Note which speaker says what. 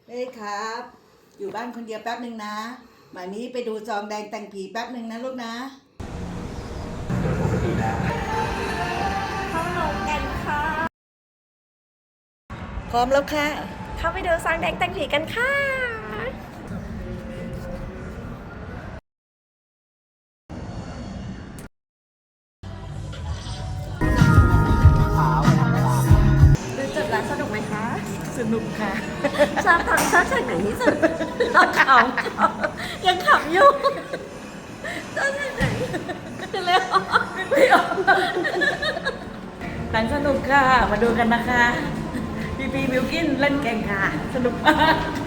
Speaker 1: เฮ้ยครับ อยู่บ้านคนเดียวแป๊บหนึ่งนะหมามีไปดูจองแดงแต่งผีแป๊บหนึ่งนะลูกนะ
Speaker 2: เข้าโรงกันค่ะ
Speaker 1: พร้อมแล้วค่ะ
Speaker 2: เข้าไปดูซองแดงแต่งผีกันค่ะดูจุดแล้วสนุกไหมคะ
Speaker 1: สนุกค่ะ
Speaker 2: ชอบฉากไหนที่สุดเราขำยังขำอยู่ชอบฉากไหนเร็ว
Speaker 1: หนังสนุกค่ะ มาดูกันนะคะ พี่บิวกินเล่นเก่งค่ะ สนุกมาก